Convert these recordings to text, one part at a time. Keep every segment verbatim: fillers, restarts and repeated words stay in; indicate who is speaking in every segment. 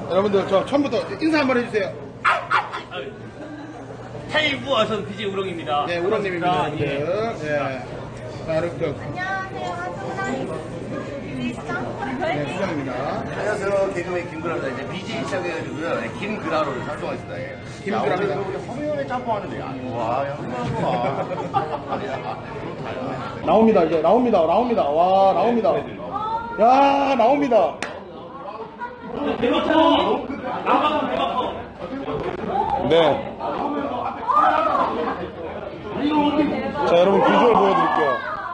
Speaker 1: 여러분들 저 처음부터 인사 한번 해주세요.
Speaker 2: 타이브 어선 비지 우렁입니다.
Speaker 1: 네, 우렁님입니다. 여러분들.
Speaker 2: 예.
Speaker 1: 네. 자, 여러분들.
Speaker 3: 안녕하세요. 한국사람
Speaker 1: 네, 수정입니다.
Speaker 4: 안녕하세요. 개그맨 김그라입니다. 이제 비지 시작해가지고요. 네, 김그라로 활동하겠습니다. 예.
Speaker 1: 김그라입니다.
Speaker 4: 야, 오늘 우리 허미연의 짬뽕 하는데, 야, 와, 야, 와.
Speaker 1: 나옵니다, 이제. 나옵니다. 나옵니다. 와, 나옵니다. 야, 나옵니다.
Speaker 2: 대박 커! 나가면 대박 커!
Speaker 1: 네. 자, 여러분 비주얼 보여드릴게요.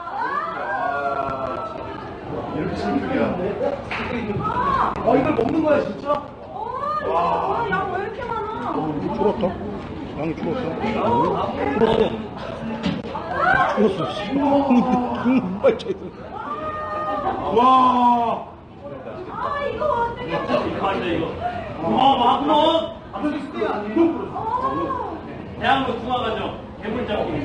Speaker 4: 이렇게 신기해요.
Speaker 1: 어, 이걸 먹는 거야, 진짜?
Speaker 3: 와, 양 왜 이렇게 많아?
Speaker 1: 줄었어? 양이 줄었어? 줄었어. 줄었어. 정말 차이 와.
Speaker 3: 아, 이거 어떻게?
Speaker 2: 이거 안 돼, 이거. 어마어마하구먼!
Speaker 1: 앞에서 스테이 아니에요?
Speaker 2: 대한민국 중화관정 개물짬뽕.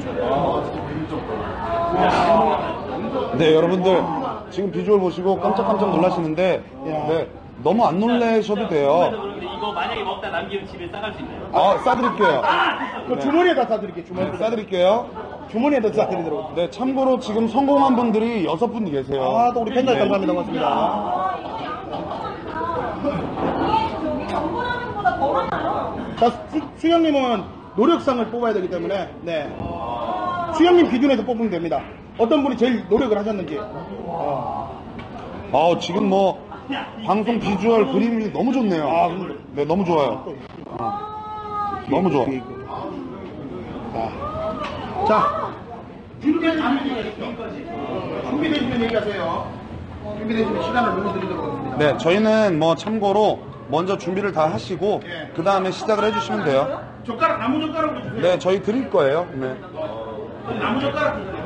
Speaker 5: 네, 여러분들 지금 비주얼 보시고 깜짝깜짝 놀라시는데 네, 너무 안 놀라셔도 돼요.
Speaker 2: 이거 만약에 먹다 남기면 집에 싸갈 수 있나요?
Speaker 5: 아, 싸드릴게요.
Speaker 1: 그 주머니에다 싸드릴게요,
Speaker 5: 네,
Speaker 1: 주머니에다.
Speaker 5: 싸드릴게요.
Speaker 1: 주머니에다 싸드리도록.
Speaker 5: 네, 참고로 지금 성공한 분들이 여섯 분 계세요.
Speaker 1: 아, 또 우리 팬들 감사합니다. 고맙습니다.
Speaker 3: 저기 정보라면보다 더 많아요.
Speaker 1: 자, 수, 수영님은 노력상을 뽑아야 되기 때문에, 네. 수영님 기준에서 뽑으면 됩니다. 어떤 분이 제일 노력을 하셨는지. 어.
Speaker 5: 아, 지금 뭐 방송 비주얼 그림이 너무 좋네요.
Speaker 1: 아, 근데-
Speaker 5: 네, 너무 좋아요. 어, 너무 좋아.
Speaker 1: 자, 자, 준비되시면 얘기하시죠. 준비되시면 얘기하세요. 준비되시면 시간을 눌러드리도록 하겠습니다.
Speaker 5: 네, 저희는 뭐 참고로 먼저 준비를 다 하시고
Speaker 1: 네.
Speaker 5: 그 다음에 시작을 해주시면 돼요.
Speaker 1: 젓가락, 나무 젓가락으로 주세요.
Speaker 5: 네, 저희 드릴 거예요. 네.
Speaker 1: 나무 젓가락 주세요.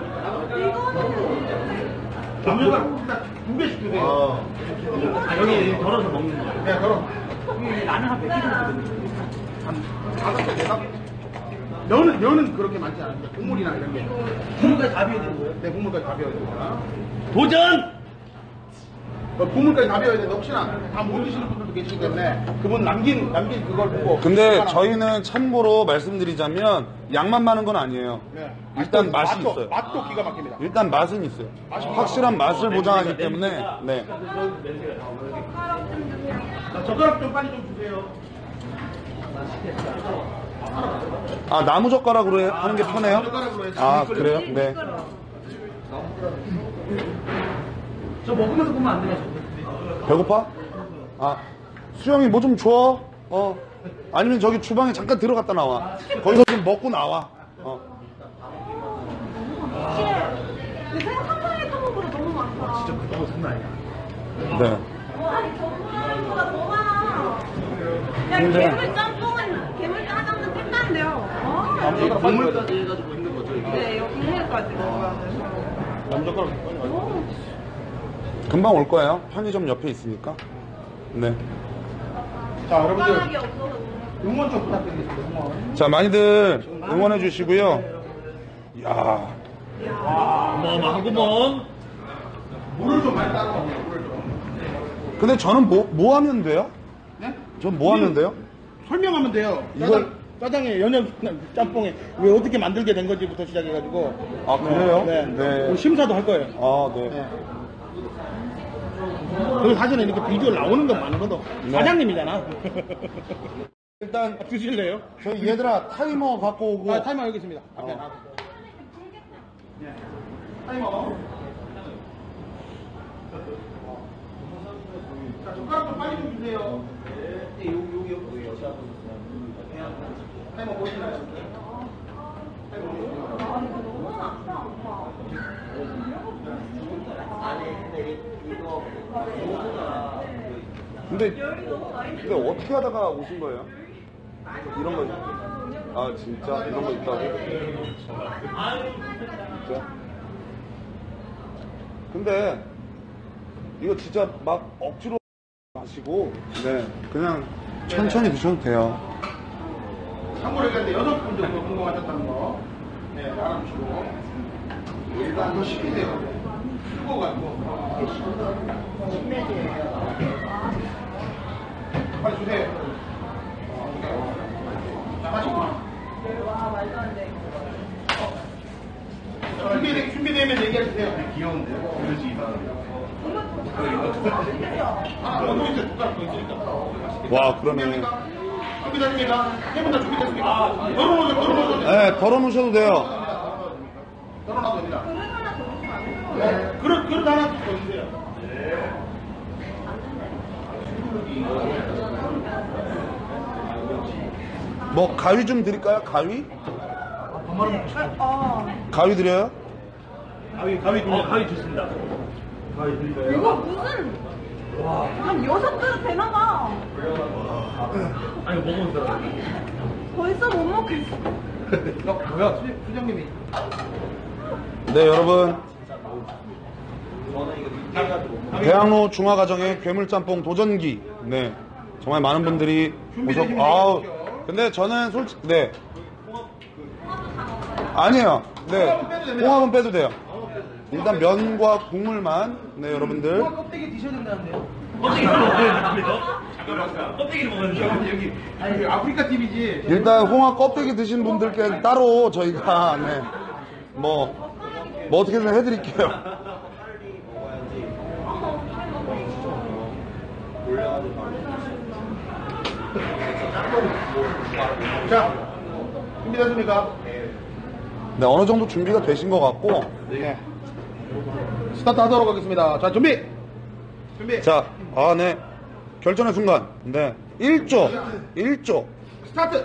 Speaker 1: 나무 젓가락 일단 두 개씩 주세요.
Speaker 2: 아, 여기 덜어서 먹는 거예요.
Speaker 1: 네, 그럼.
Speaker 2: 나는 한 몇 개 정도 되거든요.
Speaker 1: 다섯 개, 네다섯 개. 면은, 면은 그렇게 많지 않은데, 국물이나 이런 게.
Speaker 2: 국물까지 다 비워야 되는 거예요?
Speaker 1: 네, 국물까지 다 비워야 됩니다.
Speaker 2: 도전!
Speaker 1: 어, 국물까지 다 비워야 되는데, 혹시나 다 못 드시는 분들도 계시기 때문에, 그분 남긴, 남긴 그걸 보고.
Speaker 5: 근데
Speaker 1: 하나.
Speaker 5: 저희는 참고로 말씀드리자면 양만 많은 건 아니에요.
Speaker 1: 네.
Speaker 5: 일단 맛이
Speaker 1: 맛도,
Speaker 5: 있어요.
Speaker 1: 맛도 기가 막힙니다.
Speaker 5: 일단 맛은 있어요. 확실한 맛을 보장하기 때문에 네.
Speaker 1: 자, 젓가락 좀 빨리 좀 주세요.
Speaker 5: 아, 나무 젓가락으로 해- 하는 게 편해요?
Speaker 1: 젓가락으로 해서
Speaker 5: 아,
Speaker 1: 끓여요.
Speaker 5: 그래요? 네.
Speaker 2: 저 먹으면서 보면 안 되나, 저?
Speaker 5: 배고파? 아, 수영이 뭐 좀 줘? 어. 아니면 저기 주방에 잠깐 들어갔다 나와. 거기서 좀 먹고 나와. 어.
Speaker 3: 요새 한방에 타먹보다 너무 많다. 진짜
Speaker 2: 그거 장난 아니야.
Speaker 5: 네.
Speaker 3: 아니, 정보라면보다 더 많아. 야,
Speaker 5: 근데-
Speaker 3: 괴물 짬뽕은, 괴물 짜장면 끝난데요. 어?
Speaker 4: 국물까지 해가지고 있는 거죠, 이게?
Speaker 3: 네, 이거 국물까지 먹어야 돼서.
Speaker 1: 나무 젓가락 빨리 가요.
Speaker 5: 금방 올 거예요. 편의점 옆에 있으니까. 네.
Speaker 1: 자, 여러분들,
Speaker 3: 젓가락이 없어서.
Speaker 1: 응원 좀 부탁드리겠습니다, 응원.
Speaker 5: 자, 많이들 응원해 주시고요. 이야.
Speaker 2: 어마어마하구먼!
Speaker 1: 물을 좀 많이 따라가세요, 물을 좀.
Speaker 5: 근데 저는 뭐, 뭐 하면 돼요?
Speaker 1: 네?
Speaker 5: 전 뭐 하면 돼요?
Speaker 1: 설명하면 돼요.
Speaker 5: 이걸-
Speaker 1: 짜장, 짜장에 연연 짬뽕에 왜 어떻게 만들게 된 건지부터 시작해가지고.
Speaker 5: 아, 그래요?
Speaker 1: 네.
Speaker 5: 네.
Speaker 1: 우리 심사도 할 거예요.
Speaker 5: 아, 네.
Speaker 1: 네. 그 사진에 이렇게 비주얼 나오는 건 많거든.
Speaker 5: 네.
Speaker 1: 사장님이잖아.
Speaker 5: 일단
Speaker 1: 아, 드실래요?
Speaker 5: 저희 얘들아 타이머 갖고 오고.
Speaker 1: 아, 타이머 여기 있습니다. 앞에.
Speaker 5: 어.
Speaker 1: 앞에. 네. 타이머. 자, 젓가락 좀 빨리 좀 주세요. 네, 여기, 여기, 여기, 여기. 타이머 보이시나요? 타이머 보이시나요?
Speaker 5: 근데, 근데 어떻게 하다가 오신 거예요? 이런 거. 아, 진짜? 이런 거 있다고? 진짜? 근데, 이거 진짜 막 억지로 마시고, 네. 그냥 천천히 드셔도 돼요.
Speaker 1: 참고로 얘기하는데 여섯 분 정도 성공하셨다는 거. 네, 알아주시고. 일단 더 시키세요. 뜨거워가지고. 빨리 주세요.
Speaker 5: 와, 그러네.
Speaker 1: 준비됐습니까? 세분다 준비됐습니까? 덜어놓으셔, 덜어놓으셔.
Speaker 5: 네, 덜어 놓으셔도 돼요.
Speaker 1: 덜어놔도 됩니다. 네, 그릇, 그릇 하나 더 주세요.
Speaker 5: 뭐, 가위 좀 드릴까요? 가위?
Speaker 3: 어.
Speaker 5: 가위 드려요?
Speaker 2: 가위, 가위, 어, 가위 좋습니다. 가위 드릴까요?
Speaker 3: 이거 무슨 한 여섯 그릇 되나봐.
Speaker 2: 아니, 이거 먹으면 들어.
Speaker 3: 벌써 못 먹겠어.
Speaker 1: 어, 뭐야, 수, 수장님이.
Speaker 5: 네, 여러분. 대학로 중화가정의 괴물짬뽕 도전기. 네. 정말 많은 분들이 오셨, 아우. 근데 저는 솔직히, 네. 아니에요. 네. 홍합은 빼도 돼요. 일단 면과 국물만. 네, 여러분들.
Speaker 1: 껍데기 드셔야 된다는데요?
Speaker 2: 껍데기 먹어야 됩니다. 껍데기를 먹어야 돼요.
Speaker 1: 여기, 아니, 아프리카 티비지.
Speaker 5: 일단 홍합 껍데기 드신 분들께 따로 저희가, 네. 뭐, 뭐 어떻게든 해드릴게요.
Speaker 1: 자, 준비됐습니까?
Speaker 5: 네, 어느 정도 준비가 되신 것 같고.
Speaker 1: 네. 스타트 하도록 하겠습니다. 자, 준비! 준비!
Speaker 5: 자, 아, 네. 결전의 순간. 네. 일 조. 일 조.
Speaker 1: 스타트!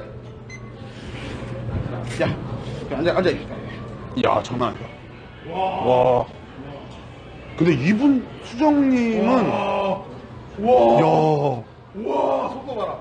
Speaker 1: 야, 앉아, 앉아.
Speaker 5: 이야, 장난 아니다. 와. 근데 이분, 수정님은.
Speaker 1: 와,
Speaker 5: 이야.
Speaker 1: 와, 속도 봐라.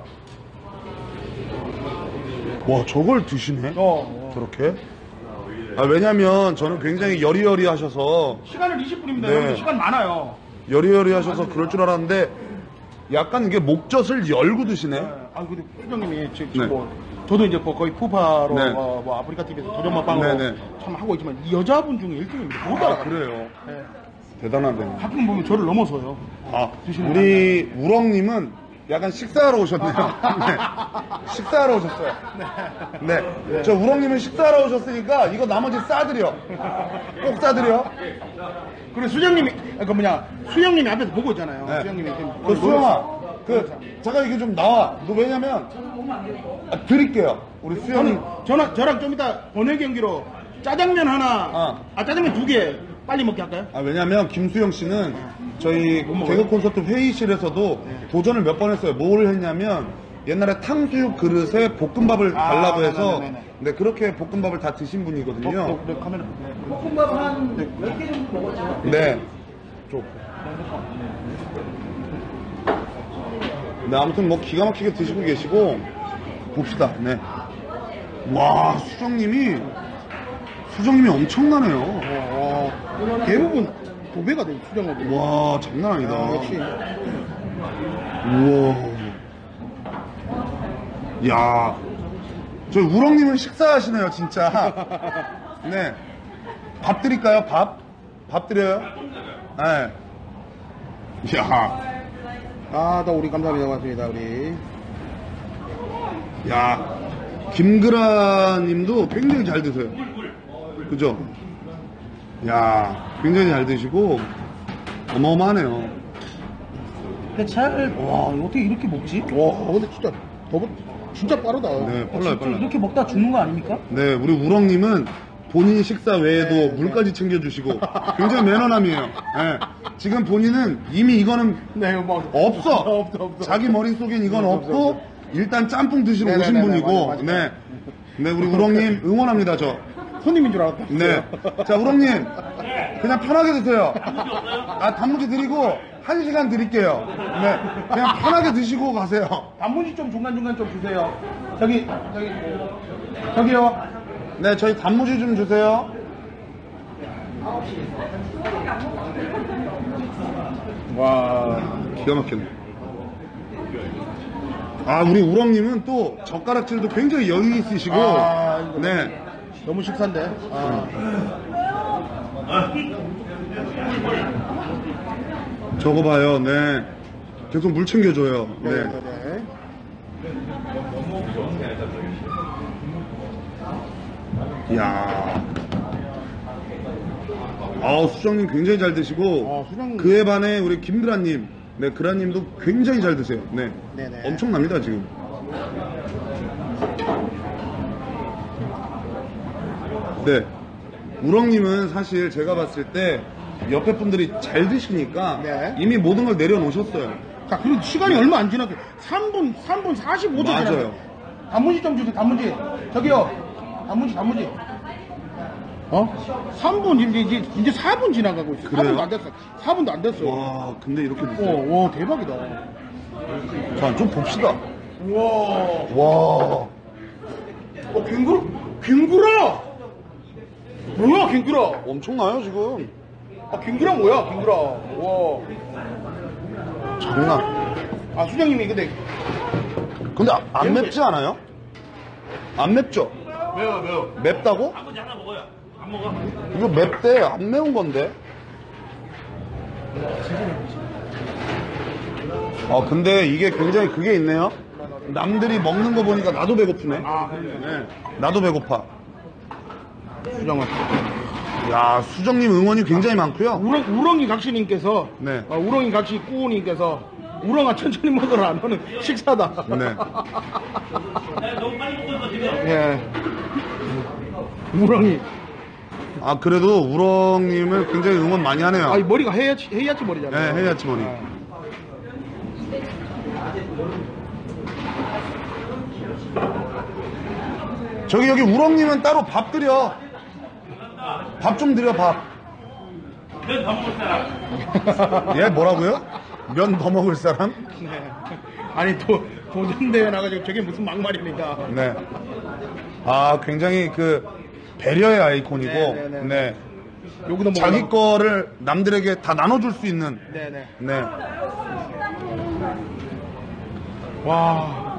Speaker 5: 와, 저걸 드시네?
Speaker 1: 어,
Speaker 5: 저렇게? 아, 왜냐면 저는 굉장히 여리여리 하셔서,
Speaker 1: 시간은 이십 분입니다.
Speaker 5: 네.
Speaker 1: 여러분 시간 많아요.
Speaker 5: 여리여리 하셔서 그럴 줄 알았는데, 약간 이게 목젖을 열고 드시네?
Speaker 1: 아, 근데 수장님이 지금
Speaker 5: 네.
Speaker 1: 뭐, 저도 이제 뭐 거의 푸파로
Speaker 5: 네.
Speaker 1: 뭐, 뭐 아프리카 티비에서 도전맛방으로
Speaker 5: 네, 네.
Speaker 1: 참 하고 있지만 이 여자분 중에 일 등입니다. 못
Speaker 5: 아,
Speaker 1: 따라가요.
Speaker 5: 그래요.
Speaker 1: 네.
Speaker 5: 대단하네.
Speaker 1: 가끔 보면 저를 넘어서요.
Speaker 5: 아, 우리 우렁님은 약간 식사하러 오셨네요. 네. 식사하러 오셨어요. 네. 저 우렁님은 식사하러 오셨으니까 이거 나머지 싸드려. 꼭 싸드려.
Speaker 1: 그리고 수장님이, 아, 그 뭐냐, 수영님이 앞에서 보고 있잖아요.
Speaker 5: 네.
Speaker 1: 수영님이 지금
Speaker 5: 그 수영아, 그, 잠깐 이게 좀 나와. 너 왜냐면, 아, 드릴게요. 우리 수영이.
Speaker 1: 저는, 저랑, 저랑 좀 이따 번외 경기로 짜장면 하나,
Speaker 5: 어.
Speaker 1: 아, 짜장면 두 개 빨리 먹게 할까요?
Speaker 5: 아, 왜냐면 김수영 씨는 저희 개그 콘서트 회의실에서도 도전을 몇 번 했어요. 뭘 했냐면 옛날에 탕수육 그릇에 볶음밥을
Speaker 1: 아,
Speaker 5: 달라고 해서
Speaker 1: 네네네네.
Speaker 5: 네, 그렇게 볶음밥을 다 드신 분이거든요.
Speaker 1: 어, 어, 네, 카메라. 네.
Speaker 2: 볶음밥 한 몇 개 정도 먹었죠?
Speaker 5: 네. 좀. 네, 아무튼 뭐 기가 막히게 드시고 계시고 봅시다. 네. 와, 수정님이 수정님이 엄청나네요.
Speaker 1: 어, 어, 대부분 두 배가 돼요, 수정업이.
Speaker 5: 와, 장난 아니다.
Speaker 1: 아, 역시.
Speaker 5: 우와. 야. 저 우렁님은 식사하시네요, 진짜. 네. 밥 드릴까요, 밥? 밥 드려요? 네. 야.
Speaker 1: 아, 또 우리 감사합니다. 고맙습니다, 우리.
Speaker 5: 야. 김그라 님도 굉장히 잘 드세요. 그죠? 야. 굉장히 잘 드시고, 어마어마하네요.
Speaker 2: 근데 잘, 와, 어떻게 이렇게 먹지?
Speaker 1: 와, 근데 진짜, 너무, 진짜 빠르다.
Speaker 5: 네, 빨라요, 빨라요.
Speaker 2: 이렇게 먹다 죽는 거 아닙니까?
Speaker 5: 네, 우리 우렁님은 본인 식사 외에도 물까지 챙겨주시고 굉장히 매너남이에요. 네. 지금 본인은 이미 이거는
Speaker 1: 네, 뭐.
Speaker 5: 없어.
Speaker 1: 없어, 없어.
Speaker 5: 자기 머릿속엔 이건
Speaker 1: 없어,
Speaker 5: 없고
Speaker 1: 없어.
Speaker 5: 일단 짬뽕 드시러 오신
Speaker 1: 네네네네,
Speaker 5: 분이고
Speaker 1: 맞아, 맞아.
Speaker 5: 네. 네, 우리 우렁님 응원합니다, 저.
Speaker 1: 손님인 줄 알았다.
Speaker 5: 네. 자, 우렁님 그냥 편하게 드세요. 아, 단무지 드리고 한 시간 드릴게요. 네. 그냥 편하게 드시고 가세요.
Speaker 1: 단무지 좀 중간중간 좀 주세요. 저기, 저기, 저기요.
Speaker 5: 네, 저희 단무지 좀 주세요.
Speaker 1: 와.
Speaker 5: 기가 막혔네. 아, 우리 우렁님은 또 젓가락질도 굉장히 여유 있으시고,
Speaker 1: 아, 이거
Speaker 5: 네.
Speaker 1: 너무 식사인데. 아.
Speaker 5: 저거 봐요, 네. 계속 물 챙겨줘요,
Speaker 1: 네.
Speaker 5: 네.
Speaker 1: 네, 네.
Speaker 5: 이야. 아, 수정님 굉장히 잘 드시고,
Speaker 1: 어, 수정님.
Speaker 5: 그에 반해 우리 김그라님, 네, 그라님도 굉장히 잘 드세요. 네.
Speaker 1: 네네.
Speaker 5: 엄청납니다, 지금. 네. 우렁님은 사실 제가 봤을 때 옆에 분들이 잘 드시니까
Speaker 1: 네.
Speaker 5: 이미 모든 걸 내려놓으셨어요.
Speaker 1: 자, 그리고 시간이 얼마 안 지났어요. 삼 분, 삼 분 사십오 초
Speaker 5: 맞아요.
Speaker 1: 지났어요. 단무지 좀 주세요, 단무지. 저기요, 단무지, 단무지. 어? 삼 분, 이제, 이제, 이제 사 분 지나가고 있어요.
Speaker 5: 그래요?
Speaker 1: 사 분도 안 됐어. 사 분도 안 됐어.
Speaker 5: 와, 근데 이렇게 드세요.
Speaker 1: 오, 와, 대박이다.
Speaker 5: 자, 좀 봅시다.
Speaker 1: 우와.
Speaker 5: 와.
Speaker 1: 어, 갱구라? 갱구라! 뭐야, 갱구라?
Speaker 5: 엄청나요, 지금.
Speaker 1: 아, 갱구라 뭐야, 갱구라. 와.
Speaker 5: 장난.
Speaker 1: 아, 수장님이 근데.
Speaker 5: 근데 아- 안 맵지 않아요? 안 맵죠?
Speaker 2: 매워, 매워.
Speaker 5: 맵다고?
Speaker 2: 아버지 하나 먹어요. 안 먹어.
Speaker 5: 이거 맵대. 안 매운 건데. 아, 근데 이게 굉장히 그게 있네요. 남들이 먹는 거 보니까 나도 배고프네.
Speaker 1: 아, 그러네.
Speaker 5: 네. 나도 배고파.
Speaker 1: 수장아.
Speaker 5: 야, 수정님 응원이 굉장히 많고요.
Speaker 1: 우렁, 우렁이 각시님께서.
Speaker 5: 네.
Speaker 1: 어, 우렁이 각시 꾸우님께서. 우렁아, 천천히 먹어라. 너는 식사다.
Speaker 5: 네.
Speaker 2: 너무 빨리 먹는 거 지금.
Speaker 1: 예. 우렁이.
Speaker 5: 아, 그래도 우렁님을 굉장히 응원 많이 하네요.
Speaker 1: 아, 이 머리가 헤야치, 헤야치 머리잖아요.
Speaker 5: 네, 헤야치 머리.
Speaker 1: 아.
Speaker 5: 저기 여기 우렁님은 따로 밥 드려. 밥 좀 드려, 밥.
Speaker 2: 면 더 먹을 사람.
Speaker 5: 예, 뭐라고요? 면 더 먹을 사람?
Speaker 1: 네. 아니, 또, 도전대회 나가지고 저게 무슨 막말입니까?
Speaker 5: 네. 아, 굉장히 그 배려의 아이콘이고,
Speaker 1: 네, 네, 네.
Speaker 5: 네.
Speaker 1: 여기도 뭐.
Speaker 5: 자기 거를 남들에게 다 나눠줄 수 있는,
Speaker 1: 네네.
Speaker 5: 네.
Speaker 1: 와.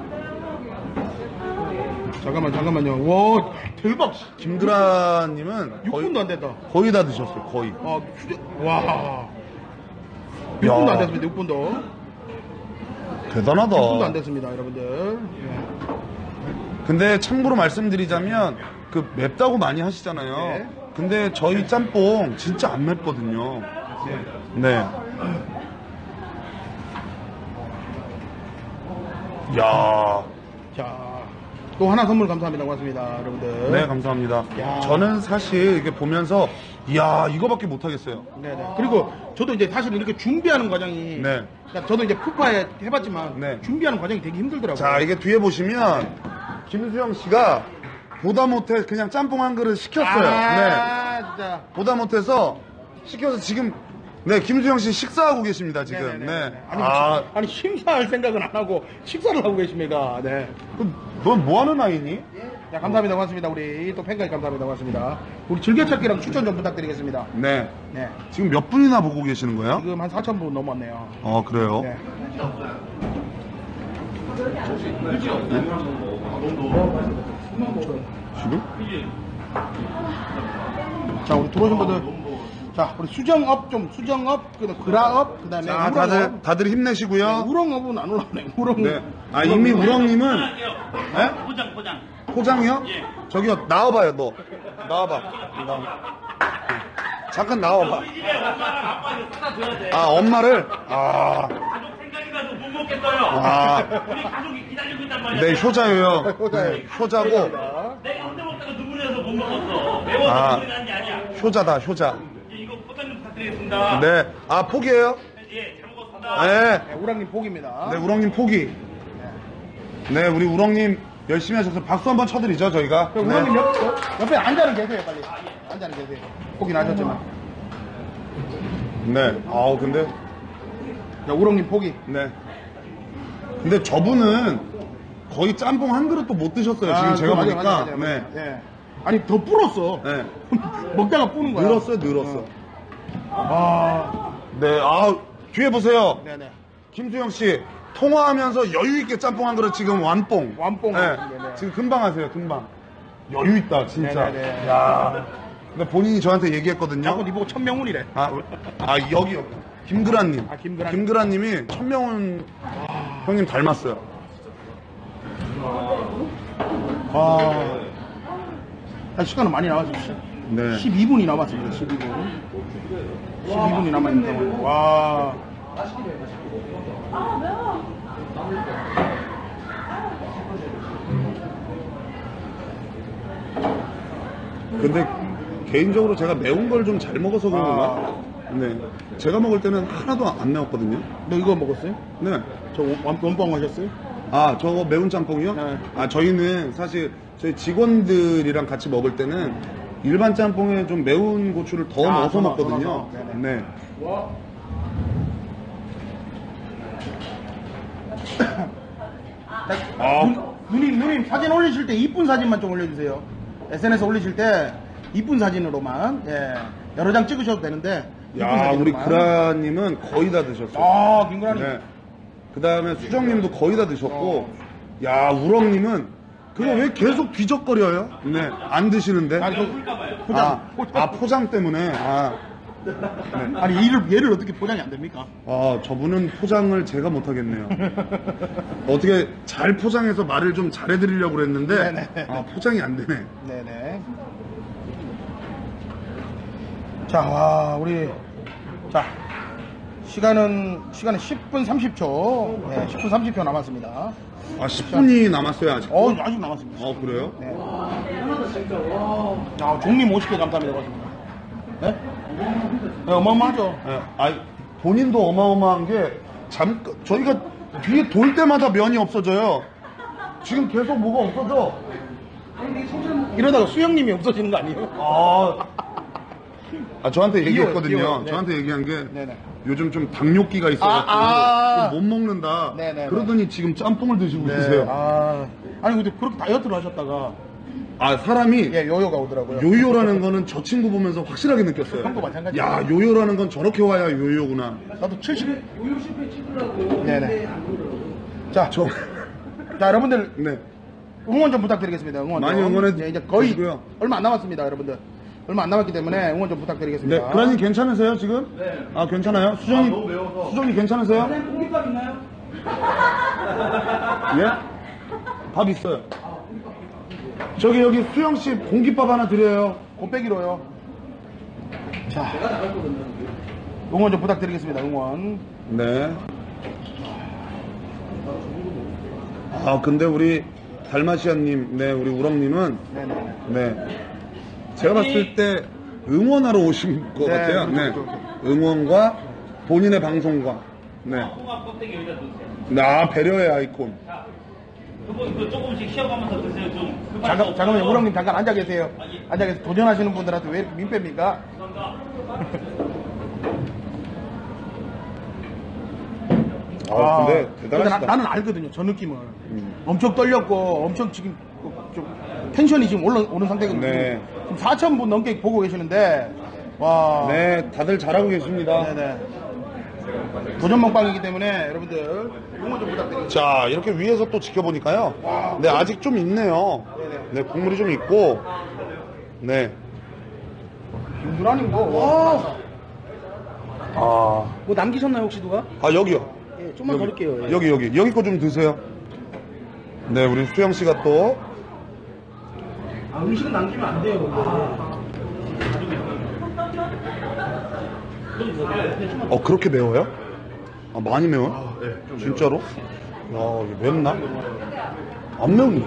Speaker 1: 잠깐만, 잠깐만요. 와, 대박.
Speaker 5: 김드라님은
Speaker 1: 육
Speaker 5: 거의,
Speaker 1: 분도 안 됐다.
Speaker 5: 거의 다 드셨어요, 거의.
Speaker 1: 아, 휴대, 와. 육 분도 안 됐습니다, 육 분도.
Speaker 5: 대단하다.
Speaker 1: 육 분도 안 됐습니다, 여러분들. 예.
Speaker 5: 근데 참고로 말씀드리자면, 그 맵다고 많이 하시잖아요.
Speaker 1: 네.
Speaker 5: 근데 저희 짬뽕 진짜 안 맵거든요. 네. 야.
Speaker 1: 자, 또 하나 선물 감사합니다. 고맙습니다, 여러분들.
Speaker 5: 네, 감사합니다.
Speaker 1: 야.
Speaker 5: 저는 사실 이렇게 보면서, 이야, 이거밖에 못하겠어요.
Speaker 1: 네네. 그리고 저도 이제 사실 이렇게 준비하는 과정이.
Speaker 5: 네.
Speaker 1: 그러니까 저도 이제 푸파에 해봤지만.
Speaker 5: 네.
Speaker 1: 준비하는 과정이 되게 힘들더라고요.
Speaker 5: 자, 이게 뒤에 보시면, 김수영 씨가 보다 못해 그냥 짬뽕 한 그릇 시켰어요. 네.
Speaker 1: 아, 진짜.
Speaker 5: 보다 못해서 시켜서 지금, 네, 김수영 씨 식사하고 계십니다, 지금.
Speaker 1: 네네네.
Speaker 5: 네.
Speaker 1: 아니,
Speaker 5: 아,
Speaker 1: 아니, 심사할 생각은 안 하고 식사를 하고 계십니다. 네.
Speaker 5: 넌 뭐 하는 아이니?
Speaker 1: 자, 감사합니다. 고맙습니다. 우리 또 팬까지 감사합니다. 고맙습니다. 우리 즐겨찾기랑 추천 좀 부탁드리겠습니다.
Speaker 5: 네.
Speaker 1: 네.
Speaker 5: 지금 몇 분이나 보고 계시는 거예요?
Speaker 1: 지금 한 사천 분 넘었네요.
Speaker 5: 어, 그래요?
Speaker 1: 네.
Speaker 5: 지금?
Speaker 1: 자, 우리 들어오신 분들. 자, 우리 수정업 좀, 수정업, 그 다음에 그라업, 그 다음에
Speaker 5: 자,
Speaker 1: 우렁업.
Speaker 5: 다들, 다들 힘내시고요.
Speaker 1: 우렁업은 안 올라오네. 우렁.
Speaker 5: 네. 아, 이미 우렁님은,
Speaker 2: 포장할게요.
Speaker 5: 네?
Speaker 2: 포장, 포장.
Speaker 5: 포장이요?
Speaker 2: 예.
Speaker 5: 저기요, 나와봐요, 너. 나와봐. 나와. 잠깐 나와봐.
Speaker 2: 우리 집에 엄마랑 아빠 이거 사다 줘야 돼.
Speaker 5: 아, 엄마를? 아,
Speaker 2: 가족 생각이 나서 못 먹겠어요.
Speaker 5: 아.
Speaker 2: 우리 가족이 기다리고 있단 말이야.
Speaker 5: 네, 효자예요.
Speaker 1: 효자예요.
Speaker 5: 네, 효자고,
Speaker 2: 내가 혼자 먹다가 눈물이 나서 못 먹었어. 매워서
Speaker 5: 아.
Speaker 2: 눈물이 나는 게 아니야.
Speaker 5: 효자다, 효자.
Speaker 2: 예, 이거 포장 좀 부탁드리겠습니다.
Speaker 5: 네. 아, 포기해요?
Speaker 2: 예, 잘 먹었습니다.
Speaker 5: 네.
Speaker 1: 네, 우랑님 복입니다.
Speaker 5: 네, 우렁님 포기. 네, 우리 우렁님 열심히 하셔서 박수 한번 쳐드리죠, 저희가.
Speaker 1: 그럼 우랑님
Speaker 5: 네.
Speaker 1: 옆, 옆- 옆에 앉아는 계세요, 빨리. 앉아는 계세요. 복이 나셨지만.
Speaker 5: 네. 아우, 근데,
Speaker 1: 자, 우렁님 복이.
Speaker 5: 네. 근데 저분은 거의 짬뽕 한 그릇도 못 드셨어요, 지금
Speaker 1: 아,
Speaker 5: 제가
Speaker 1: 맞아요,
Speaker 5: 보니까.
Speaker 1: 맞아요, 맞아요,
Speaker 5: 네.
Speaker 1: 맞아요. 네. 아니, 더 불었어.
Speaker 5: 네.
Speaker 1: 먹다가 뿌는 거야.
Speaker 5: 늘었어요, 늘었어.
Speaker 1: 아,
Speaker 5: 네, 아, 뒤에 보세요.
Speaker 1: 네네.
Speaker 5: 김수영 씨, 통화하면서 여유있게 짬뽕 한 그릇 지금 완뽕.
Speaker 1: 완뽕.
Speaker 5: 네.
Speaker 1: 네네.
Speaker 5: 지금 금방 하세요, 금방. 여유있다, 진짜.
Speaker 1: 네네네.
Speaker 5: 야 근데 본인이 저한테 얘기했거든요.
Speaker 1: 자꾸 니 보고 천명훈이래.
Speaker 5: 아, 아 여기 여기 김그라님.
Speaker 1: 아, 김그라.
Speaker 5: 김그라님이 천명훈 형님 닮았어요.
Speaker 1: 아, 아, 시간은 많이 나와주시죠.
Speaker 5: 네.
Speaker 1: 십이 분이 남았습니다. 십이 분. 십이 분이 남아있는 상황. 와.
Speaker 5: 근데 개인적으로 제가 매운 걸 좀 잘 먹어서 그런 건가? 네. 제가 먹을 때는 하나도 안 매웠거든요.
Speaker 1: 너 이거 먹었어요?
Speaker 5: 네.
Speaker 1: 저 원- 원빵 하셨어요?
Speaker 5: 아, 저거 매운 짬뽕이요?
Speaker 1: 네.
Speaker 5: 아, 저희는 사실 저희 직원들이랑 같이 먹을 때는 일반 짬뽕에 좀 매운 고추를 더
Speaker 1: 아,
Speaker 5: 넣어서
Speaker 1: 더 넣어,
Speaker 5: 먹거든요.
Speaker 1: 더 넣어서. 네네.
Speaker 5: 네. 아,
Speaker 1: 누, 누님, 누님 사진 올리실 때 이쁜 사진만 좀 올려주세요. 에스엔에스 올리실 때 이쁜 사진으로만, 예, 여러 장 찍으셔도 되는데. 이쁜
Speaker 5: 야, 우리
Speaker 1: 사진으로만.
Speaker 5: 그라님은 거의 다 드셨어요.
Speaker 1: 아, 김구라님.
Speaker 5: 네. 그 다음에 수정님도 거의 다 드셨고, 야, 우렁님은 그거 왜 계속 뒤적거려요? 네, 안 드시는데.
Speaker 1: 아니, 저, 포장,
Speaker 5: 아,
Speaker 1: 포장.
Speaker 5: 아, 포장 때문에. 아, 네.
Speaker 1: 아니, 얘를, 얘를 어떻게 포장이 안 됩니까?
Speaker 5: 아, 저분은 포장을 제가 못하겠네요. 어떻게 잘 포장해서 말을 좀 잘해드리려고 그랬는데,
Speaker 1: 네네.
Speaker 5: 아, 포장이 안 되네.
Speaker 1: 네네. 자, 와, 우리, 자, 시간은, 시간은 십 분 삼십 초. 네, 십 분 삼십 초 남았습니다.
Speaker 5: 아, 십 분이 남았어요, 아직.
Speaker 1: 어, 아직 남았습니다.
Speaker 5: 어, 그래요?
Speaker 1: 네. 아, 종님 오십 개 감사합니다. 고맙습니다. 네? 네, 어마어마하죠.
Speaker 5: 예, 아, 본인도 어마어마한 게, 잠깐, 저희가 뒤에 돌 때마다 면이 없어져요. 지금 계속 뭐가 없어져.
Speaker 1: 이러다가 수영님이 없어지는 거 아니에요?
Speaker 5: 아, 아 저한테 얘기했거든요.
Speaker 1: 귀여워요. 네.
Speaker 5: 저한테 얘기한 게,
Speaker 1: 네네.
Speaker 5: 요즘 좀 당뇨기가 있어가지고,
Speaker 1: 아, 아.
Speaker 5: 좀 못 먹는다.
Speaker 1: 네네네.
Speaker 5: 그러더니 지금 짬뽕을 드시고
Speaker 1: 네.
Speaker 5: 계세요.
Speaker 1: 아, 아니, 근데 그렇게 다이어트를 하셨다가,
Speaker 5: 아, 사람이,
Speaker 1: 예, 요요가 오더라고요.
Speaker 5: 요요라는 거는 저 친구 보면서 확실하게 느꼈어요.
Speaker 1: 형도 마찬가지예요.
Speaker 5: 야, 요요라는 건 저렇게 와야 요요구나.
Speaker 1: 나도 칠십.
Speaker 2: 우유 실패 찍으라고.
Speaker 1: 네네. 자,
Speaker 5: 저,
Speaker 1: 자, 여러분들,
Speaker 5: 네.
Speaker 1: 응원 좀 부탁드리겠습니다. 응원 좀.
Speaker 5: 많이 응원해
Speaker 1: 네, 이제 거의
Speaker 5: 주시고요.
Speaker 1: 얼마 안 남았습니다, 여러분들. 얼마 안 남았기 때문에 응원 좀 부탁드리겠습니다.
Speaker 5: 네, 그라님 괜찮으세요, 지금?
Speaker 2: 네.
Speaker 5: 아, 괜찮아요? 수정이,
Speaker 2: 너무 매워서.
Speaker 5: 수정이 괜찮으세요?
Speaker 2: 선생님 공깃밥 있나요?
Speaker 5: 예? 밥 있어요. 저기, 여기 수영씨 공깃밥 하나 드려요.
Speaker 1: 곱빼기로요. 자, 응원 좀 부탁드리겠습니다. 응원.
Speaker 5: 네. 아, 근데 우리 달마시아님, 네, 우리 우렁님은,
Speaker 1: 네네.
Speaker 5: 네. 제가 봤을 때 응원하러 오신 것
Speaker 1: 네,
Speaker 5: 같아요.
Speaker 1: 그렇죠,
Speaker 5: 네.
Speaker 1: 그렇죠.
Speaker 5: 응원과 본인의 방송과, 네.
Speaker 2: 홍합 껍데기 여기다 넣으세요.
Speaker 5: 나 배려의 아이콘.
Speaker 2: 그거 그 조금씩 쉬어가면서 드세요. 좀 급할 수
Speaker 1: 잠깐,
Speaker 2: 없어요.
Speaker 1: 잠깐만요. 우렁님 잠깐 앉아 계세요. 앉아 계세요. 도전하시는 분들한테 왜 민폐입니까?
Speaker 5: 아, 근데
Speaker 1: 근데
Speaker 5: 대단하시다.
Speaker 1: 나, 나는 알거든요. 저 느낌을.
Speaker 5: 음.
Speaker 1: 엄청 떨렸고, 엄청 지금 좀 텐션이 지금 올라오는 상태거든요.
Speaker 5: 네.
Speaker 1: 지금 사천 분 넘게 보고 계시는데, 와.
Speaker 5: 네, 다들 잘하고 계십니다.
Speaker 1: 네네. 도전 먹방이기 때문에 여러분들 응원 좀 부탁드립니다.
Speaker 5: 자, 이렇게 위에서 또 지켜보니까요. 네, 아직 좀 있네요. 네, 국물이 좀 있고. 네.
Speaker 1: 김구라님 뭐, 와.
Speaker 5: 아,
Speaker 1: 뭐 남기셨나요, 혹시 누가?
Speaker 5: 아 여기요.
Speaker 1: 예, 좀만 더 넣을게요. 예.
Speaker 5: 여기, 여기. 여기 거 좀 드세요. 네, 우리 수영 씨가 또.
Speaker 1: 아, 음식은 남기면 안 돼요.
Speaker 5: 어, 그렇게 매워요? 아, 많이 매워요? 진짜로? 야, 이게 맵나? 안 매운데.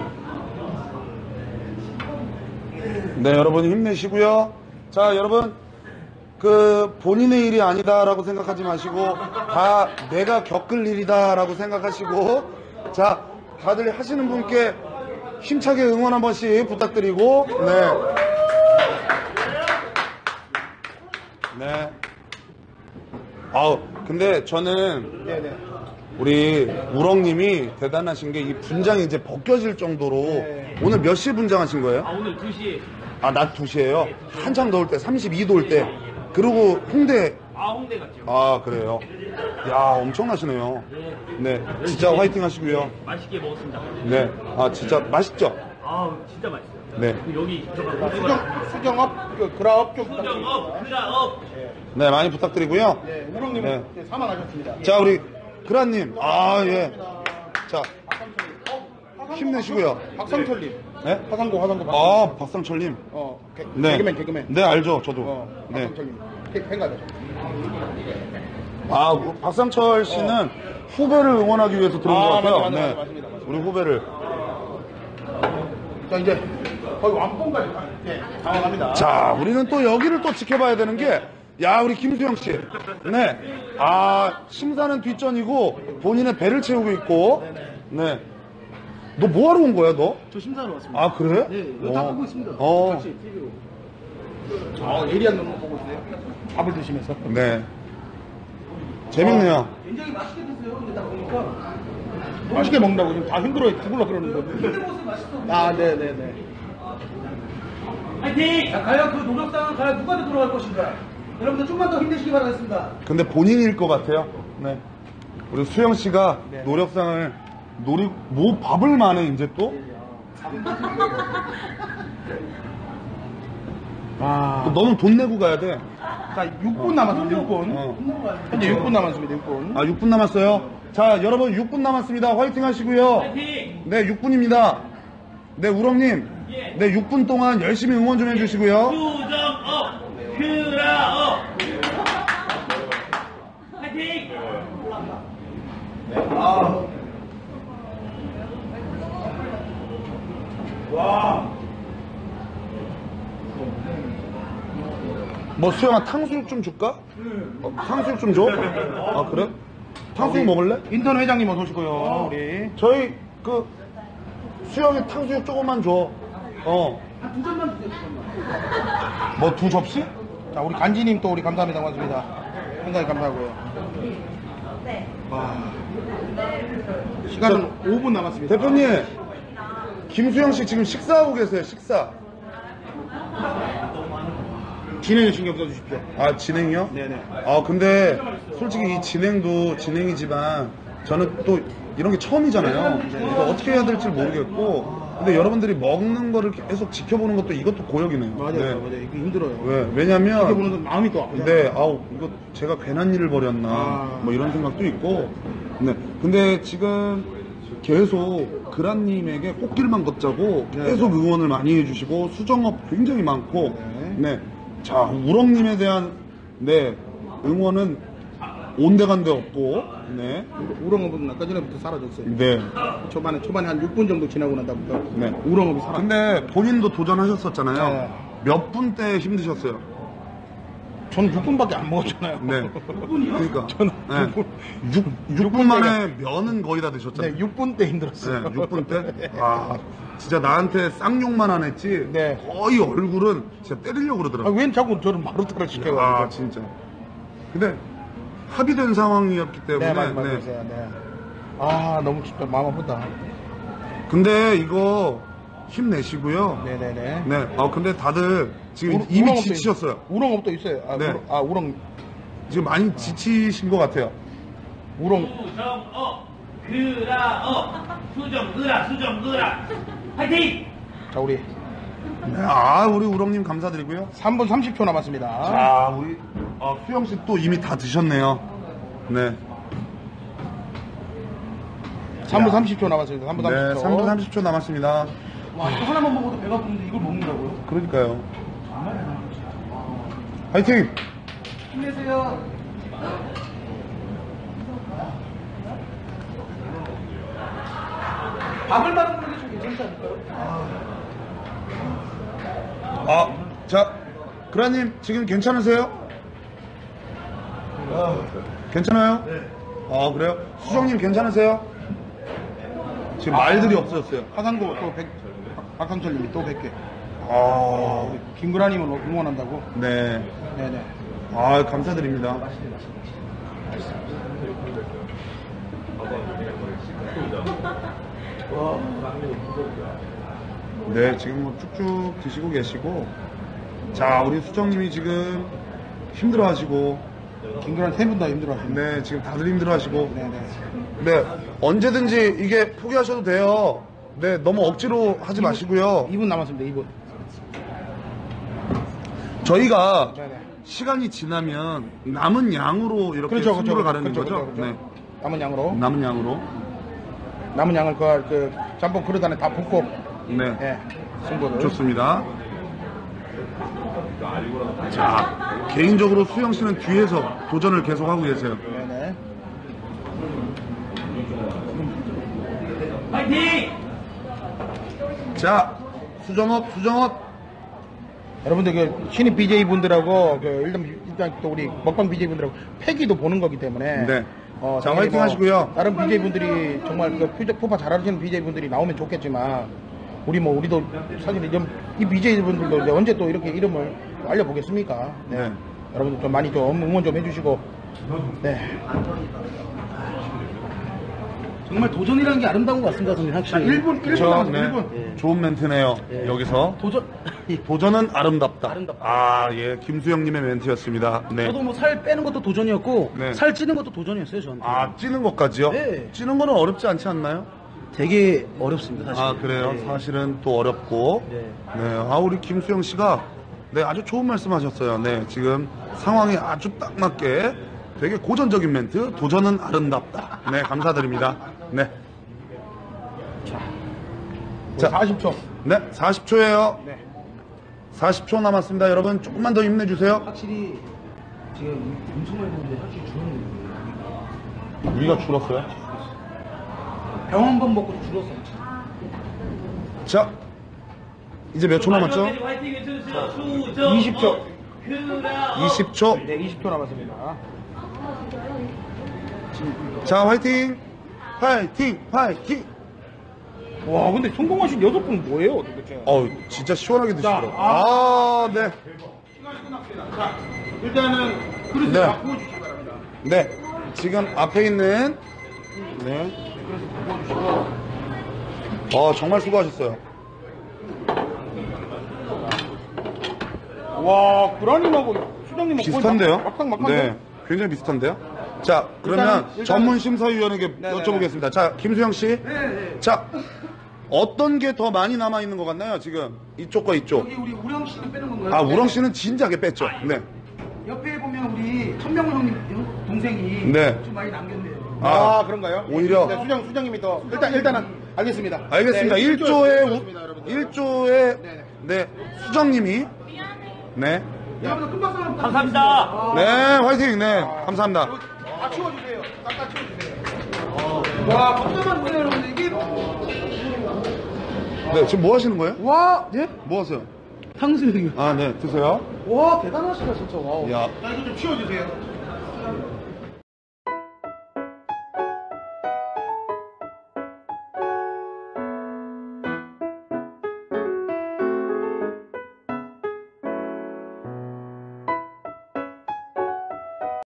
Speaker 5: 네, 여러분 힘내시고요. 자, 여러분, 그, 본인의 일이 아니다라고 생각하지 마시고, 다 내가 겪을 일이다라고 생각하시고, 자, 다들 하시는 분께 힘차게 응원 한 번씩 부탁드리고, 네. 네. 아우, 근데 저는
Speaker 1: 네네.
Speaker 5: 우리 우렁님이 대단하신 게 이 분장이 이제 벗겨질 정도로
Speaker 1: 네.
Speaker 5: 오늘 몇 시에 분장하신 거예요?
Speaker 2: 아, 오늘 두 시에.
Speaker 5: 아, 낮 두 시에요? 한창 더울 때, 삼십이 도일 때. 그리고 홍대,
Speaker 2: 아, 홍대 갔죠.
Speaker 5: 아, 그래요? 야, 엄청나시네요. 네, 진짜 화이팅 하시고요.
Speaker 2: 맛있게 먹었습니다.
Speaker 5: 네, 아, 진짜 맛있죠?
Speaker 2: 아, 진짜 맛있어요.
Speaker 5: 네.
Speaker 2: 그 여기 들어가고.
Speaker 1: 수경, 수경업, 그, 그라업 좀 부탁드립니다.
Speaker 2: 수경업, 그라업.
Speaker 5: 네, 많이 부탁드리고요.
Speaker 1: 네, 우렁님은
Speaker 5: 네.
Speaker 1: 네, 사망하셨습니다.
Speaker 5: 자, 우리 그라님. 아, 예. 자, 힘내시고요.
Speaker 1: 박성철님.
Speaker 5: 네?
Speaker 1: 화상고, 화상고.
Speaker 5: 아, 박상철님.
Speaker 1: 어, 개,
Speaker 5: 네.
Speaker 1: 개그맨, 개그맨.
Speaker 5: 네, 알죠, 저도.
Speaker 1: 어,
Speaker 5: 네.
Speaker 1: 박상철님. 팬가죠.
Speaker 5: 아, 박상철 씨는 후배를 응원하기 위해서 들어온
Speaker 1: 아,
Speaker 5: 것 같아요.
Speaker 1: 맞아, 맞아,
Speaker 5: 네.
Speaker 1: 맞아, 맞습니다, 맞습니다.
Speaker 5: 우리 후배를.
Speaker 1: 자, 이제 거의 완봉까지 네, 당황합니다.
Speaker 5: 자, 우리는 또 여기를 또 지켜봐야 되는 게, 야, 우리 김수영 씨. 네. 아, 심사는 뒷전이고, 본인의 배를 채우고 있고, 네. 너 뭐하러 온 거야, 너?
Speaker 2: 저 심사하러 왔습니다.
Speaker 5: 아, 그래?
Speaker 2: 네, 이거 다 보고 있습니다.
Speaker 5: 어.
Speaker 2: 같이 티비로.
Speaker 1: 어, 예리한 놈 보고 있어요. 밥을 드시면서.
Speaker 5: 네. 재밌네요.
Speaker 2: 굉장히 맛있게 드세요. 근데 딱 보니까.
Speaker 1: 맛있게 먹는다고 지금 다 힘들어해 죽을라 그러는 거.
Speaker 2: 모습 맛있어.
Speaker 1: 아, 네네네.
Speaker 2: 화이팅! 자, 과연 그 노력상은 과연 누구한테 돌아갈 것인가? 여러분들 좀만 더 힘내시기 바라겠습니다.
Speaker 5: 근데 본인일 것 같아요. 네. 우리 수영 씨가
Speaker 1: 네.
Speaker 5: 노력상을 노리, 뭐 밥을 마네, 이제 또?
Speaker 1: 아.
Speaker 5: 너는 돈 내고 가야 돼.
Speaker 1: 자, 육 분 남았습니다, 육 분.
Speaker 5: 어.
Speaker 1: 현재 육 분 남았습니다, 육 분.
Speaker 5: 아, 육 분 남았어요. 자, 여러분 육 분 남았습니다. 화이팅 하시고요. 네, 육 분입니다. 네, 우렁님. 네, 육 분 동안 열심히 응원 좀 해주시고요.
Speaker 6: 수정업 큐라업 화이팅!
Speaker 5: 뭐, 수영아, 탕수육 좀 줄까? 어, 탕수육 좀 줘? 아, 그래? 탕수육 먹을래?
Speaker 1: 인턴 회장님 어서 오시고요, 우리.
Speaker 5: 저희, 그, 수영이 탕수육 조금만 줘. 어.
Speaker 2: 두 점만 주세요, 두 점만.
Speaker 5: 뭐, 두 접시?
Speaker 1: 자, 우리 간지님 또 우리 감사합니다, 고맙습니다. 상당히 감사하고요.
Speaker 3: 네.
Speaker 1: 와. 시간은 오 분 남았습니다.
Speaker 5: 대표님, 김수영 씨 지금 식사하고 계세요, 식사.
Speaker 1: 진행에 신경 써주십시오.
Speaker 5: 아, 진행이요?
Speaker 1: 네네.
Speaker 5: 아, 근데 솔직히 이 진행도 진행이지만 저는 또 이런 게 처음이잖아요. 그래서 어떻게 해야 될지 모르겠고. 근데 여러분들이 먹는 거를 계속 지켜보는 것도 이것도 고역이네요.
Speaker 1: 맞아요,
Speaker 5: 네.
Speaker 1: 맞아요. 이거 힘들어요.
Speaker 5: 왜? 왜냐면.
Speaker 1: 지켜보는 건 마음이 또 아프죠.
Speaker 5: 네, 아우, 이거 제가 괜한 일을 벌였나.
Speaker 1: 아.
Speaker 5: 뭐 이런 생각도 있고. 네. 근데 지금 계속 그란님에게 꽃길만 걷자고
Speaker 1: 네.
Speaker 5: 계속 응원을 많이 해주시고 수정업 굉장히 많고.
Speaker 1: 네.
Speaker 5: 네. 자, 우렁님에 대한, 네, 응원은 온데간데 없고, 네.
Speaker 1: 우렁업은 아까 전에부터 사라졌어요.
Speaker 5: 네.
Speaker 1: 초반에, 초반에 한 육 분 정도 지나고 난 다음부터
Speaker 5: 네.
Speaker 1: 우렁업이 사라졌어요.
Speaker 5: 근데 본인도 도전하셨었잖아요.
Speaker 1: 네.
Speaker 5: 몇 분 때 힘드셨어요?
Speaker 1: 저는 육 분밖에 안 먹었잖아요.
Speaker 5: 네. 그러니까.
Speaker 1: 저는
Speaker 5: 네. 육 분 만에 면은 거의 다 드셨잖아요.
Speaker 1: 네, 육 분 때 힘들었어요.
Speaker 5: 네, 육 분 때? 아, 진짜 나한테 쌍욕만 안 했지?
Speaker 1: 네.
Speaker 5: 거의 얼굴은 진짜 때리려고
Speaker 1: 아,
Speaker 5: 그러더라고요.
Speaker 1: 왜 자꾸 저를 마루타를 시켜가지고.
Speaker 5: 아, 진짜. 근데 합의된 상황이었기 때문에.
Speaker 1: 네, 맞아요, 맞아요.
Speaker 5: 네.
Speaker 1: 네. 아, 너무 진짜 마음 아프다.
Speaker 5: 근데 이거 힘내시고요.
Speaker 1: 네네네.
Speaker 5: 네. 아, 근데 다들 지금
Speaker 1: 우렁-
Speaker 5: 이미
Speaker 1: 우렁업도
Speaker 5: 지치셨어요.
Speaker 1: 있- 우렁업도 있어요. 아,
Speaker 5: 네.
Speaker 1: 우렁, 아, 우렁,
Speaker 5: 지금 많이 지치신 것 같아요.
Speaker 1: 우렁.
Speaker 6: 수정업 큐라업 수정 으라 수정 으라 화이팅!
Speaker 1: 자, 우리
Speaker 5: 네, 아, 우리 우렁님 감사드리고요.
Speaker 1: 삼 분 삼십 초 남았습니다.
Speaker 5: 자, 우리 아, 수영 씨 또 이미 다 드셨네요. 네.
Speaker 1: 삼 분 삼십 초 남았습니다. 삼 분 삼십 초.
Speaker 5: 네, 삼 분 삼십 초 남았습니다.
Speaker 2: 와, 이거 하나만 먹어도 배가 부른데 이걸 먹는다고요?
Speaker 5: 그러니까요. 화이팅!
Speaker 2: 힘내세요. 밥을 받는 게 좀 괜찮지 않을까요?
Speaker 5: 아, 자, 그라님 지금 괜찮으세요? 괜찮아요? 네. 아, 그래요? 수정님 괜찮으세요? 지금 말들이 없어졌어요.
Speaker 1: 화상도 또 백, 박상철님이 또 백 개.
Speaker 5: 아,
Speaker 1: 김구라님은 응원한다고?
Speaker 5: 네.
Speaker 1: 네네.
Speaker 5: 아, 감사드립니다. 네, 지금 뭐 쭉쭉 드시고 계시고. 자, 우리 수정님이 지금 힘들어 하시고.
Speaker 1: 김구라님 세 분 다 힘들어하십니다.
Speaker 5: 네, 지금 다들 힘들어 하시고.
Speaker 1: 네네.
Speaker 5: 네, 언제든지 이게 포기하셔도 돼요. 네, 너무 억지로 하지 마시고요.
Speaker 1: 이 분 남았습니다. 이 분.
Speaker 5: 저희가
Speaker 1: 네네.
Speaker 5: 시간이 지나면 남은 양으로 이렇게
Speaker 1: 그렇죠,
Speaker 5: 승부를
Speaker 1: 그렇죠.
Speaker 5: 가르는
Speaker 1: 그렇죠,
Speaker 5: 거죠?
Speaker 1: 그렇죠, 그렇죠.
Speaker 5: 네,
Speaker 1: 남은 양으로.
Speaker 5: 남은 양으로.
Speaker 1: 남은 양을 그, 그 짬뽕 그릇 안에 다 붓고
Speaker 5: 네.
Speaker 1: 네, 승부를.
Speaker 5: 좋습니다. 자, 개인적으로 수영 씨는 뒤에서 도전을 계속하고 계세요.
Speaker 1: 네네.
Speaker 6: 파이팅!
Speaker 5: 자, 수정업, 수정업.
Speaker 1: 여러분들 그 신입 비제이 분들하고 그 일단 일단 또 우리 먹방 비제이 분들하고 패기도 보는 거기 때문에
Speaker 5: 네.
Speaker 1: 어,
Speaker 5: 자,
Speaker 1: 당연히
Speaker 5: 화이팅 하시고요.
Speaker 1: 다른 비제이 분들이 정말 그 퓨저- 푸파 잘하시는 비제이 분들이 나오면 좋겠지만 우리 뭐 우리도 사실 이제 이 비제이 분들도 이제 언제 또 이렇게 이름을 알려보겠습니까? 네.
Speaker 5: 네.
Speaker 1: 여러분들 좀 많이 좀 응원 좀 해주시고 네.
Speaker 2: 정말 도전이라는 게 아름다운 것 같습니다, 선생님. 확실히.
Speaker 1: 일 분 일 분
Speaker 5: 그쵸?
Speaker 1: 남았습니다.
Speaker 5: 네.
Speaker 1: 일 분.
Speaker 5: 좋은 멘트네요. 여기서.
Speaker 2: 도전.
Speaker 5: 도전은 아름답다.
Speaker 2: 아름답다.
Speaker 5: 아, 예. 김수영님의 멘트였습니다. 네.
Speaker 2: 저도 뭐 살 빼는 것도 도전이었고
Speaker 5: 네.
Speaker 2: 살 찌는 것도 도전이었어요, 저한테.
Speaker 5: 아, 찌는 것까지요?
Speaker 2: 네.
Speaker 5: 찌는 거는 어렵지 않지 않나요?
Speaker 2: 되게 어렵습니다, 사실.
Speaker 5: 아, 그래요?
Speaker 2: 네.
Speaker 5: 사실은 또 어렵고.
Speaker 2: 네.
Speaker 5: 네. 아, 우리 김수영 씨가 네, 아주 좋은 말씀 하셨어요. 네. 지금 상황에 아주 딱 맞게 되게 고전적인 멘트. 도전은 아름답다. 네. 감사드립니다. 네.
Speaker 1: 자, 사십 초.
Speaker 5: 네. 사십 초예요.
Speaker 1: 네.
Speaker 5: 사십 초 남았습니다. 여러분, 조금만 더 힘내주세요.
Speaker 2: 확실히 지금 엄청 많이 보는데 확실히 줄었네요.
Speaker 5: 위가 줄었어요?
Speaker 2: 병원밥 먹고 줄었어요.
Speaker 5: 자, 이제 몇 초 남았죠?
Speaker 6: 화이팅 해주세요. 수정.
Speaker 1: 이십 초.
Speaker 6: 그라.
Speaker 5: 이십 초.
Speaker 1: 네, 이십 초 남았습니다.
Speaker 5: 자, 화이팅! 화이팅! 화이팅!
Speaker 1: 와, 근데 성공하신 여섯 분 뭐예요, 도대체?
Speaker 5: 어우, 진짜 시원하게 드시더라고요.
Speaker 1: 자,
Speaker 5: 아, 네.
Speaker 1: 시간이 끝났습니다. 자, 일단은 그릇을
Speaker 5: 네.
Speaker 1: 다 부어주시기 바랍니다.
Speaker 5: 네. 지금 앞에 있는, 네. 어, 정말 수고하셨어요.
Speaker 1: 와, 구라님하고 수장님
Speaker 5: 비슷한데요?
Speaker 1: 막상 막상
Speaker 5: 네. 굉장히 비슷한데요? 자, 그러면
Speaker 1: 일단은- 일단은-
Speaker 5: 전문 심사위원에게
Speaker 1: 네네네.
Speaker 5: 여쭤보겠습니다. 자, 김수영 씨. 자, 어떤 게 더 많이 남아있는 것 같나요, 지금? 이쪽과 이쪽.
Speaker 2: 여기 우리 우령 씨는 빼는 건가요?
Speaker 5: 아, 우렁 씨는 진작에 뺐죠. 네.
Speaker 2: 옆에 보면 우리 천명훈 형님 형- 동생이
Speaker 5: 네.
Speaker 2: 좀 많이 남겼네요.
Speaker 1: 아,
Speaker 5: 아,
Speaker 1: 그런가요?
Speaker 5: 오히려.
Speaker 1: 네, 수장, 수장님이 더 일단 일단은 알겠습니다.
Speaker 5: 알겠습니다.
Speaker 1: 네,
Speaker 5: 일 조의,
Speaker 1: 여러분들.
Speaker 5: 일 조의,
Speaker 1: 네네.
Speaker 5: 네, 수정님이, 네.
Speaker 2: 여러분들 큰 박수 한번
Speaker 6: 감사합니다.
Speaker 5: 네, 화이팅, 네. 감사합니다.
Speaker 1: 다 치워주세요. 딱 치워주세요.
Speaker 2: 와, 걱정만 보세요, 여러분들. 이게.
Speaker 5: 네, 지금 뭐 하시는 거예요?
Speaker 2: 와, 예?
Speaker 5: 뭐 하세요?
Speaker 2: 탕수육이요.
Speaker 5: 아, 네, 드세요.
Speaker 2: 와, 대단하시다, 진짜. 와우.
Speaker 5: 야,
Speaker 1: 자, 이거 좀 치워주세요.